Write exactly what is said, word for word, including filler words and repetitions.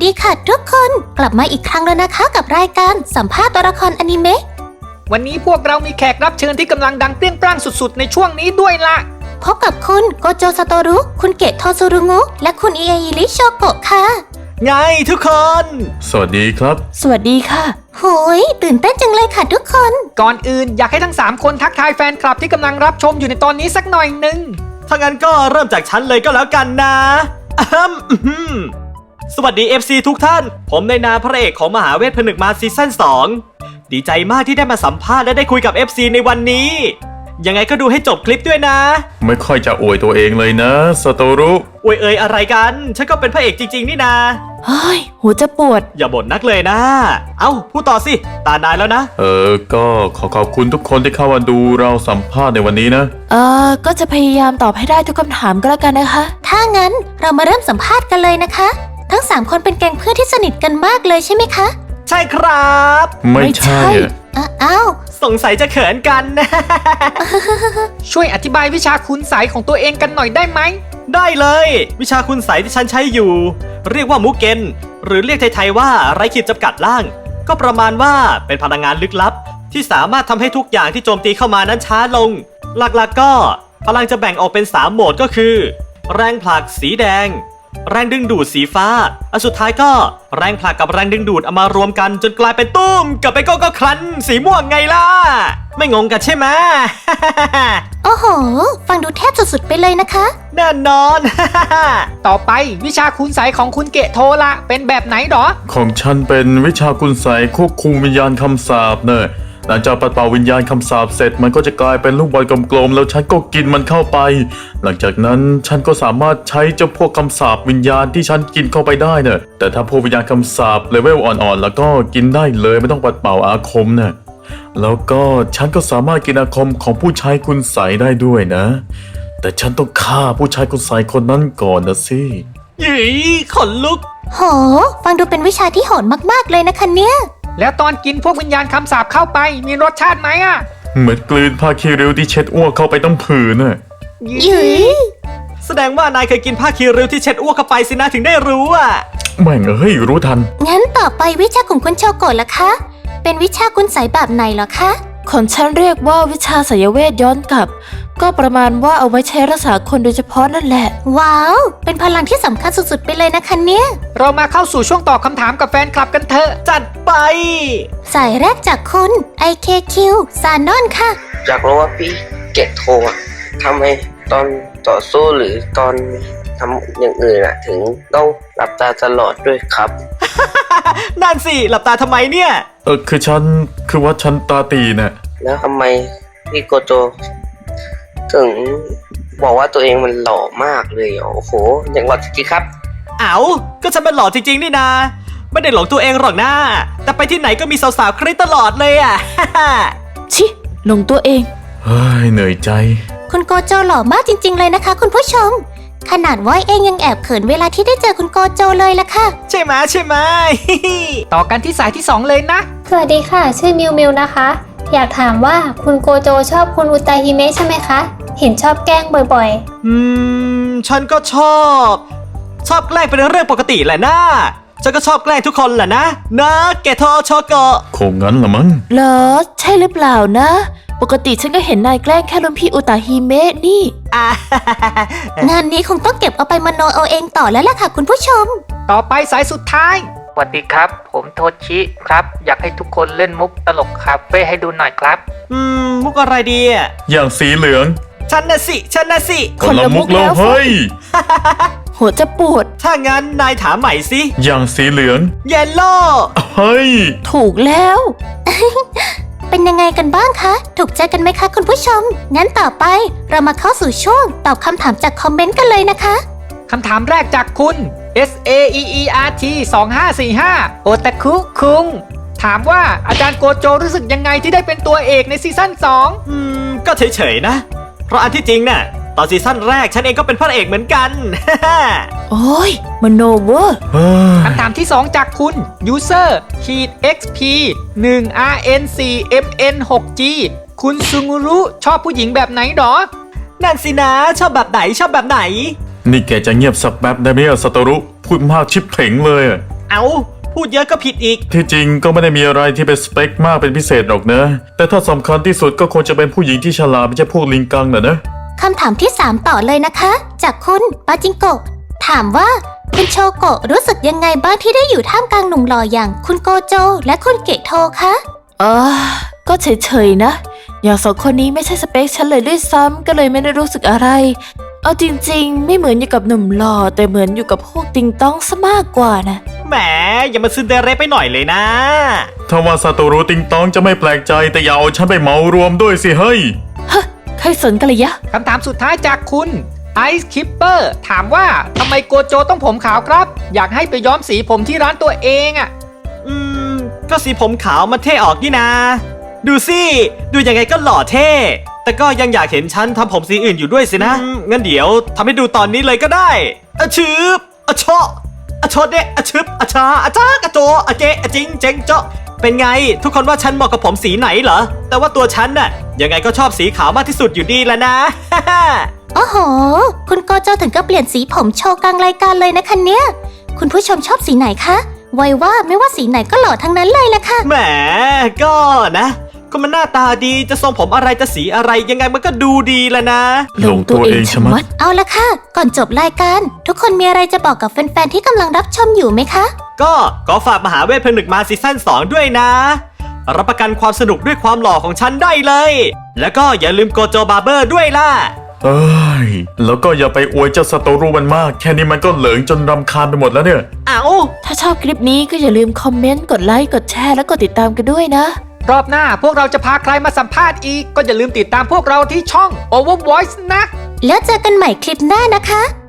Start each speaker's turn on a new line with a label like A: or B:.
A: ดีค่ะทุกคนกลับมาอีกครั้งแล้วนะคะกับรายการสัมภาษณ์ตัวละครอนิเมะ
B: วันนี้พวกเรามีแขกรับเชิญที่กำลังดังเปรี้ยงปร้างสุดๆในช่วงนี้ด้วยล่ะ
A: พบกับคุณโกโจซาโตรุคุณเกะโทซูรุงุและคุณอิเออิริโชโกะค่ะ
C: ไงทุกคน
D: สวัสดีครับ
A: สวัสดีค่ะโหยตื่นเต้นจังเลยค่ะทุกคน
B: ก่อนอื่นอยากให้ทั้งสามคนทักทายแฟนคลับที่กำลังรับชมอยู่ในตอนนี้สักหน่อยหนึ่ง
C: ถ้างั้นก็เริ่มจากฉันเลยก็แล้วกันนะอะสวัสดี เอฟ ซี ทุกท่านผมในนามพระเอกของมหาเวทผนึกมารซีซั่นสองดีใจมากที่ได้มาสัมภาษณ์และได้คุยกับ เอฟ ซี ในวันนี้ยังไงก็ดูให้จบคลิปด้วยนะ
D: ไม่ค่อยจะอวยตัวเองเลยนะซาโตรุ
C: อวยเอ่ยอะไรกันฉันก็เป็นพระเอกจริงๆนี่นา
A: เฮ้ยหัวจะปวด
C: อย่าบ่นนักเลยนะเอ้าพูดต่อสิตานายแล้วนะ
D: เออก็ขอขอบคุณทุกคนที่เข้ามาดูเราสัมภาษณ์ในวันนี้นะ
A: เออก็จะพยายามตอบให้ได้ทุกคำถามก็แล้วกันนะคะถ้างั้นเรามาเริ่มสัมภาษณ์กันเลยนะคะทั้งสามคนเป็นแก๊งเพื่อนที่สนิทกันมากเลยใช่ไหมคะ
C: ใช่ครับ
D: ไม่ใช่
A: อ้าว
C: สงสัยจะเขินกัน
B: ช่วยอธิบายวิชาคุณไสยของตัวเองกันหน่อยได้ไหม
C: ได้เลยวิชาคุณไสยที่ฉันใช้อยู่เรียกว่ามุกเกนหรือเรียกไทยๆว่าไร้ขีดจำกัดล่างก็ประมาณว่าเป็นพลังงานลึกลับที่สามารถทำให้ทุกอย่างที่โจมตีเข้ามานั้นช้าลงหลักๆก็พลังจะแบ่งออกเป็นสามโหมดก็คือแรงผลักสีแดงแรงดึงดูดสีฟ้าอันสุดท้ายก็แรงผลักกับแรงดึงดูดเอามารวมกันจนกลายเป็นตุ้มกับไปโก้ก็ครันสีม่วงไงล่ะไม่งงกันใช่ไหม
A: โอ้โหฟังดูแทบสุดๆไปเลยนะคะ
C: แน่นอน
B: ต่อไปวิชาคุณไสยของคุณเกะโทละเป็นแบบไหนหรอ
D: ของฉันเป็นวิชาคุณไสยควบคุมวิญญาณคำสาปเนอะหลังจากปัดเป่าวิญญาณคำสาปเสร็จมันก็จะกลายเป็นลูกบอลกลมๆแล้วฉันก็กินมันเข้าไปหลังจากนั้นฉันก็สามารถใช้เจ้าพวกคำสาปวิญญาณที่ฉันกินเข้าไปได้เนอะแต่ถ้าพวกวิญญาณคำสาปเลเวลอ่อนๆแล้วก็กินได้เลยไม่ต้องปัดเป่าอาคมเนอะแล้วก็ฉันก็สามารถกินอาคมของผู้ใช้คุณไสยได้ด้วยนะแต่ฉันต้องฆ่าผู้ใช้คุณไสยคนนั้นก่อนนะสิ
C: ยี่ขนลุก
A: โหฟังดูเป็นวิชาที่โหดมากๆเลยนะคะเนี่ย
B: แล้วตอนกินพวกวิญญาณคำสาปเข้าไปมีรสชาติไหมอะ
D: เหมือนกลืนผ้าคีริ้วที่เช็ดอ้วกเข้าไปต้องผืนน่ะ
A: ยืย
C: แสดงว่านายเคยกินผ้าคีริ้วที่เช็ดอ้วกเข้าไปสินะถึงได้รู้อ่ะ
D: แม่งเอ้ยรู้ทัน
A: งั้นต่อไปวิชาของคุณโชโกะล่ะคะเป็นวิชาคุณไสยแบบไหนเหรอคะ
E: ของฉันเรียกว่าวิชาไสยเวทย้อนกลับก็ประมาณว่าเอาไว้ใช้รักษาคนโดยเฉพาะนั่นแหละ
A: ว้าวเป็นพลังที่สำคัญสุดๆไปเลยนะคะเนี่ย
B: เรามาเข้าสู่ช่วงตอบคำถามกับแฟนคลับกันเถอะ
C: จัดไป
A: สายแรกจากคุณ ไอ เค คิว ซานอนค่ะ
F: อยากรู้ว่าพี่เกตโททำไมตอนต่อสู้หรือตอนทำอย่างอื่นอะถึงต้องหลับตาตลอดด้วยครับ
C: นั่นสิหลับตาทำไมเนี่ย
D: เออคือฉันคือว่าฉันตาตีน่ะ
F: แล้วทำไมพี่โกโจถึงบอกว่าตัวเองมันหล่อมากเลยโอ้โหอย่างหล่อจริงๆครับ
C: เอ้าก็ฉันเป็นหล่อจริงๆนี่นาไม่ได้หลงตัวเองหรอกนะแต่ไปที่ไหนก็มีสาวๆคริสตลอดเลยอ่ะ
E: ชิหลงตัวเอง
D: เฮ้ยเหนื่อยใจ
A: คุณโกโจหล่อมากจริงๆเลยนะคะคุณผู้ชมขนาดว่าเองยังแอบเขินเวลาที่ได้เจอคุณโกโจเลยล่ะค่ะ
C: ใช่ไหมใช่ไหม
B: ต่อกันที่สายที่สองเลยนะ
G: สวัสดีค่ะชื่อมิวมิวนะคะอยากถามว่าคุณโกโจชอบคุณอุตาฮิเมะใช่ไหมคะเห็นชอบแกล้งบ่อย
C: ๆอืมฉันก็ชอบชอบแกล้งเป็นเรื่องปกติแหละนะฉันก็ชอบแกล้งทุกคนแหละนะนะเกโทโชโกะ
D: คงงั้นละมั้ง
E: เหรอใช่หรือเปล่านะปกติฉันก็เห็นนายแกล้งแค่รุ่นพี่อุตาฮิเมะนี่
A: งานนี้คงต้องเก็บเอาไปมโนเอาเองต่อแล้วล่ะค่ะคุณผู้ชม
B: ต่อไปสายสุดท้ายสวัสดีครับผมโทชิครับอยากให้ทุกคนเล่นมุกตลกคาเฟ่ให้ดูหน่อยครับ
C: อืมมุกอะไรดีอ่ะ
D: อย่างสีเหลือง
C: ฉันน่ะสิฉันน่ะสิ
D: คนละมุกแล้วเฮ้ย
E: หัวจะปวด
C: ถ้างั้นนายถามใหม่สิ
D: อย่างสีเหลือง
C: เยลโล่
D: เฮ้ย
E: ถูกแล้ว
A: เป็นยังไงกันบ้างคะถูกใจกันไหมคะคุณผู้ชมงั้นต่อไปเรามาเข้าสู่ช่วงตอบคำถามจากคอมเมนต์กันเลยนะคะ
B: คำถามแรกจากคุณ เอส เอ อี อี อาร์ ที สองห้าสี่ห้า โอตาคุคุงถามว่าอาจารย์โกโจรู้สึกยังไงที่ได้เป็นตัวเอกในซีซั่นสอง
C: อืมก็เฉยๆนะเพราะอันที่จริงน่ะตอนซีซั่นแรกฉันเองก็เป็นพระเอกเหมือนกัน
E: โอ้ยมโนเวอร์
B: คำถามที่สองจากคุณ user ขีด เอ็กซ์ พี หนึ่ง อาร์ เอ็น โฟร์ เอ็ม เอ็น หก จี คุณซุงุรุชอบผู้หญิงแบบไหนหรอ
C: นั่นสินะชอบแบบไหนชอบแบบไหน
D: นี่แกจะเงียบสักแป๊บได้ไหมอะซาโตรุพูดมากชิบเพ่งเลย
C: เอาพูดเยอะก็ผิดอีก
D: ที่จริงก็ไม่ได้มีอะไรที่เป็นสเปคมากเป็นพิเศษหรอกนะ แต่ถ้าสำคัญที่สุดก็ควรจะเป็นผู้หญิงที่ฉลาดไม่ใช่พวกลิงกังน่ะนะ
A: คำถามที่สามต่อเลยนะคะ จากคุณปาจิงโกะถามว่าคุณโชโกะรู้สึกยังไงบ้างที่ได้อยู่ท่ามกลางหนุ่มหล่ออย่างคุณโกโจและคุณเกะโทคะ
E: เออก็เฉยๆนะ อย่างสองคนนี้ไม่ใช่สเปคฉันเลยด้วยซ้ำก็เลยไม่ได้รู้สึกอะไร เอาจริงๆ ไม่เหมือนอยู่กับหนุ่มหล่อแต่เหมือนอยู่กับพวกติงต้องซะมากกว่านะ
C: แหมอย่ามาซึนเดเรไปหน่อยเลยนะ
D: ถ้าว่าซาโตรุติงตองจะไม่แปลกใจแต่อย่าเอาฉันไปเหมารวมด้วยสิเฮ้ย
E: ใครสนกันเลยยะ
B: คำถามสุดท้ายจากคุณไอซ์คิปเปอร์ถามว่าทำไมโกโจต้องผมขาวครับ อยากให้ไปย้อมสีผมที่ร้านตัวเองอะ่ะ
C: อืม ก็สีผมขาวมันเท่ออกนี่นา ดูสิ ดูยังไงก็หล่อเท่ แต่ก็ยังอยากเห็นฉันทำผมสีอื่นอยู่ด้วยสินะ งั้นเดี๋ยวทำให้ดูตอนนี้เลยก็ได้อะชืบอะชออะชอเดะอะชึบอะชาอะจ้ากอะโจอะเจอะจิงเจงเจาะเป็นไง ทุกคนว่าฉันเหมาะกับผมสีไหนเหรอ แต่ว่าตัวฉันน่ะยังไงก็ชอบสีขาวมากที่สุดอยู่ดีแหละนะ
A: โอ้โห คุณโกโจถึงกับเปลี่ยนสีผมโชว์กลางรายการเลยนะคะเนี่ย คุณผู้ชมชอบสีไหนคะไว้ว่าไม่ว่าสีไหนก็หล่อทั้งนั้นเลยแหละค่ะ
C: แหมก็นะก็มันหน้าตาดีจะทรงผมอะไรจะสีอะไรยังไงมันก็ดูดีแหละนะ
D: หลงตัวเองชะมัด
A: เอาละค่ะ ก่อนจบรายการ ทุกคนมีอะไรจะบอกกับแฟนๆที่กำลังรับชมอยู่ไหมคะ
C: ก็ขอฝากมหาเวทผนึกมาซีซั่นสองด้วยนะ รับประกันความสนุกด้วยความหล่อของฉันได้เลย แล้วก็อย่าลืมโกโจบาร์เบอร์ด้วยล่ะ
D: เอ้ย แล้วก็อย่าไปอวยเจ้าซาโตรุมันมาก แค่นี้มันก็เหลิงจนรำคาญไปหมดแล้วเนี่ย
C: เอา
E: ถ้าชอบคลิปนี้ก็อย่าลืมคอมเมนต์ กดไลค์ กดแชร์ และกดติดตามกันด้วยนะ
B: รอบหน้าพวกเราจะพาใครมาสัมภาษณ์อีก ก็อย่าลืมติดตามพวกเราที่ช่อง Overvoice นะ
A: แล้วเจอกันใหม่คลิปหน้านะคะ